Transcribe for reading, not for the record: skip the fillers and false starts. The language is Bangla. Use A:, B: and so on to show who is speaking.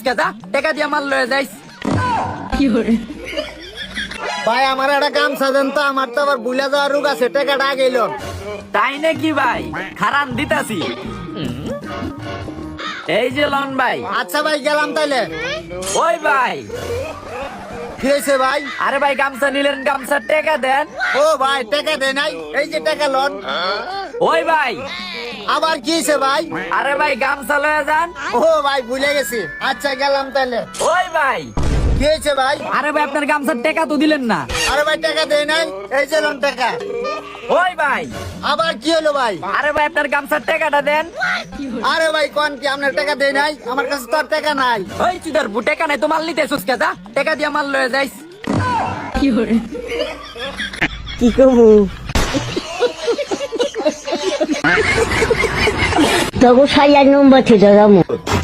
A: কেতা টাকা দিয়ে মাল লয়ে যাইস।
B: ভাই আমার একটা গামছা দেন তো, আমার তো আবার ভুলে যাওয়ার রোগ আছে, টাকাটা আগে এলো।
A: তাই নাকি ভাই? খারান দিতাছি। এই যে লন ভাই।
B: আচ্ছা ভাই গেলাম তাইলে।
A: ওই ভাই,
B: কি হয়েছে ভাই?
A: আরে ভাই গামছা নিলেন, গামছার টাকা দেন।
B: ও ভাই টাকা দেয় নাই, এই যে টাকা লোন।
A: ওই ভাই,
B: আবার কি হয়েছে ভাই?
A: আরে ভাই গামছা লয়ে যান।
B: ও ভাই ভুলে গেছি, আচ্ছা গেলাম তাইলে।
A: ওই ভাই,
B: কি হয়েছে ভাই?
A: আরে ভাই আপনার গামছার টাকা তো দিলেন না।
B: আরে ভাই টাকা দেয় নাই, এই যে লোন টাকা।
A: ওই ভাই,
B: আবার কি হলো ভাই?
A: আরে ভাই আপনার গামছার টাকাটা দেন।
B: আরে ভাই কোন কি আপনার টাকা দেয় নাই? আমার কাছে তো আর টাকা নাই।
A: ওই চুদার বু, টাকা নাই তো মাল নিতে এসোস কেতা? টাকা দিয়ে মাল লয়ে যাইস।
C: কি করবো? তবু সাইয়ার নম্বর থেকে